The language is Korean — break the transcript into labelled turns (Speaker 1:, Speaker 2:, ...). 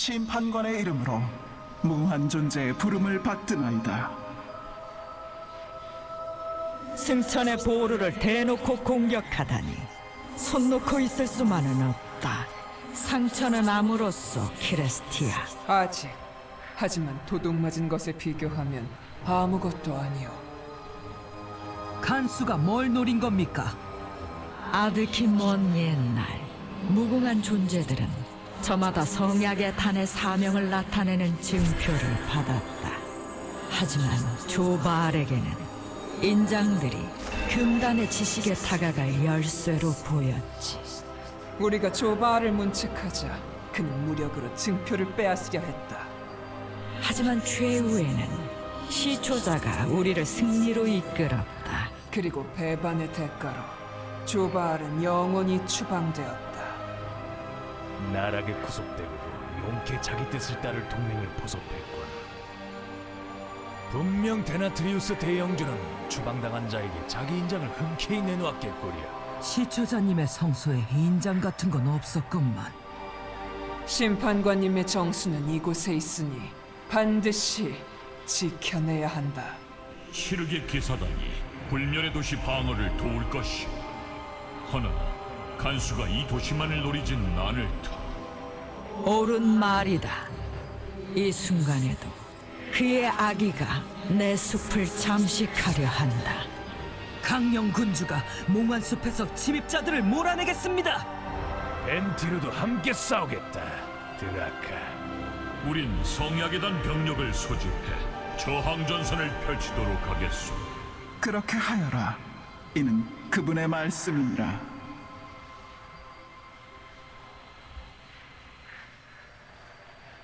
Speaker 1: 심판관의 이름으로 무한 존재의 부름을 받드나이다.
Speaker 2: 승천의 보루를 대놓고 공격하다니 손 놓고 있을 수만은 없다. 상처는 암으로써 키레스티아.
Speaker 3: 아직. 하지만 도둑 맞은 것에 비교하면 아무것도 아니오.
Speaker 4: 간수가 뭘 노린 겁니까?
Speaker 2: 아득히 먼 옛날 무궁한 존재들은 저마다 성약의 탄의 사명을 나타내는 증표를 받았다. 하지만 조바알에게는 인장들이 금단의 지식에 다가갈 열쇠로 보였지.
Speaker 3: 우리가 조바알을 문책하자 그는 무력으로 증표를 빼앗으려 했다.
Speaker 2: 하지만 최후에는 시초자가 우리를 승리로 이끌었다.
Speaker 3: 그리고 배반의 대가로 조바알은 영원히 추방되었다.
Speaker 5: 나락에 구속되고도 용케 자기 뜻을 따를 동맹을 포섭했군. 분명 데나트리우스 대영주는 추방당한 자에게 자기 인장을 흔쾌히 내놓았겠거리야.
Speaker 4: 시초자님의 성소에 인장 같은 건 없었건만.
Speaker 3: 심판관님의 정수는 이곳에 있으니 반드시 지켜내야 한다.
Speaker 6: 시르게 기사단이 불멸의 도시 방어를 도울 것이오. 허나 간수가 이 도시만을 노리진 않을 터.
Speaker 2: 옳은 말이다. 이 순간에도 그의 아기가 내 숲을 잠식하려 한다.
Speaker 4: 강령 군주가 몽환숲에서 침입자들을 몰아내겠습니다.
Speaker 5: 벤티르도 함께 싸우겠다. 드라카.
Speaker 6: 우린 성약에단 병력을 소집해 저항전선을 펼치도록 하겠소.
Speaker 1: 그렇게 하여라. 이는 그분의 말씀이니라.